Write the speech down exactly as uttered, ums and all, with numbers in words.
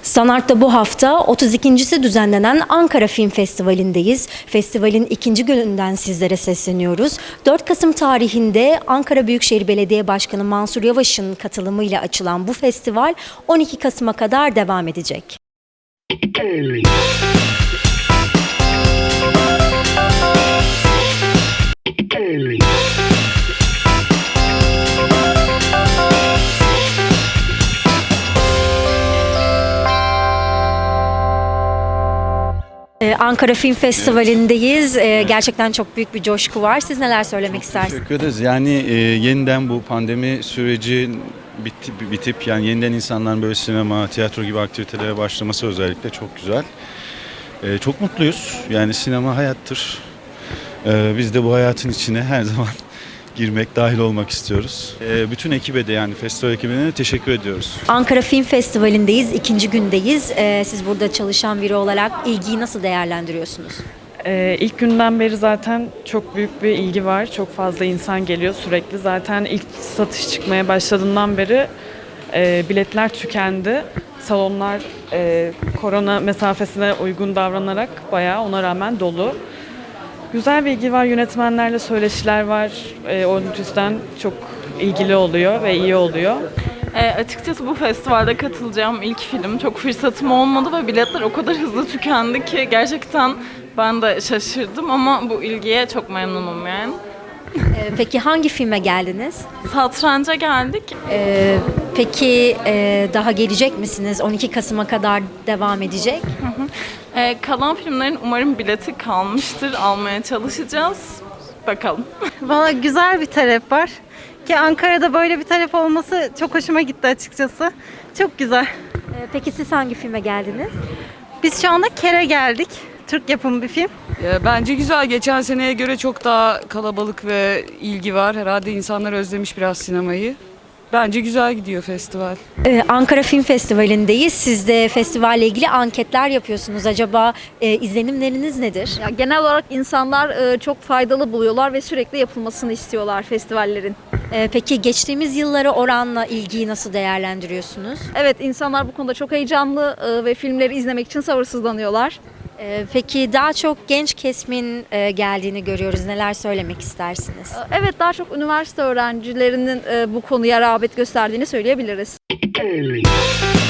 Sanart'ta bu hafta otuz ikincisi düzenlenen Ankara Film Festivali'ndeyiz. Festivalin ikinci gününden sizlere sesleniyoruz. dört Kasım tarihinde Ankara Büyükşehir Belediye Başkanı Mansur Yavaş'ın katılımıyla açılan bu festival on iki Kasım'a kadar devam edecek. Ee, Ankara Film Festivali'ndeyiz. Ee, gerçekten çok büyük bir coşku var. Siz neler söylemek istersiniz? Teşekkür ederiz. Yani e, yeniden bu pandemi süreci bitip, bitip yani yeniden insanların böyle sinema, tiyatro gibi aktivitelere başlaması özellikle çok güzel. E, çok mutluyuz. Yani sinema hayattır. E, biz de bu hayatın içine her zaman girmek, dahil olmak istiyoruz. E, bütün ekibe de yani festival ekibine de teşekkür ediyoruz. Ankara Film Festivali'ndeyiz, ikinci gündeyiz. Ee, siz burada çalışan biri olarak ilgiyi nasıl değerlendiriyorsunuz? Ee, ilk günden beri zaten çok büyük bir ilgi var. Çok fazla insan geliyor sürekli. Zaten ilk satış çıkmaya başladığından beri e, biletler tükendi. Salonlar e, korona mesafesine uygun davranarak bayağı ona rağmen dolu. Güzel bir ilgi var. Yönetmenlerle söyleşiler var. E, o yüzden çok ilgili oluyor ve iyi oluyor. E, açıkçası bu festivalde katılacağım ilk film. Çok fırsatım olmadı ve biletler o kadar hızlı tükendi ki gerçekten ben de şaşırdım ama bu ilgiye çok memnunum yani. Ee, peki hangi filme geldiniz? Satranca geldik. Ee, peki e, daha gelecek misiniz? on iki Kasım'a kadar devam edecek. E, kalan filmlerin umarım bileti kalmıştır. Almaya çalışacağız. Bakalım. Valla güzel bir talep var. Ki Ankara'da böyle bir talep olması çok hoşuma gitti açıkçası. Çok güzel. Ee, peki siz hangi filme geldiniz? Biz şu anda Kere geldik. Türk yapımı bir film. Ya, bence güzel. Geçen seneye göre çok daha kalabalık ve ilgi var. Herhalde insanlar özlemiş biraz sinemayı. Bence güzel gidiyor festival. Ee, Ankara Film Festivali'ndeyiz. Siz de festivalle ilgili anketler yapıyorsunuz. Acaba e, izlenimleriniz nedir? Ya genel olarak insanlar e, çok faydalı buluyorlar ve sürekli yapılmasını istiyorlar festivallerin. Ee, peki geçtiğimiz yıllara oranla ilgiyi nasıl değerlendiriyorsunuz? Evet, insanlar bu konuda çok heyecanlı e, ve filmleri izlemek için sabırsızlanıyorlar. Ee, peki daha çok genç kesimin e, geldiğini görüyoruz. Neler söylemek istersiniz? E, Evet, daha çok üniversite öğrencilerinin e, bu konuya rağbet gösterdiğini söyleyebiliriz.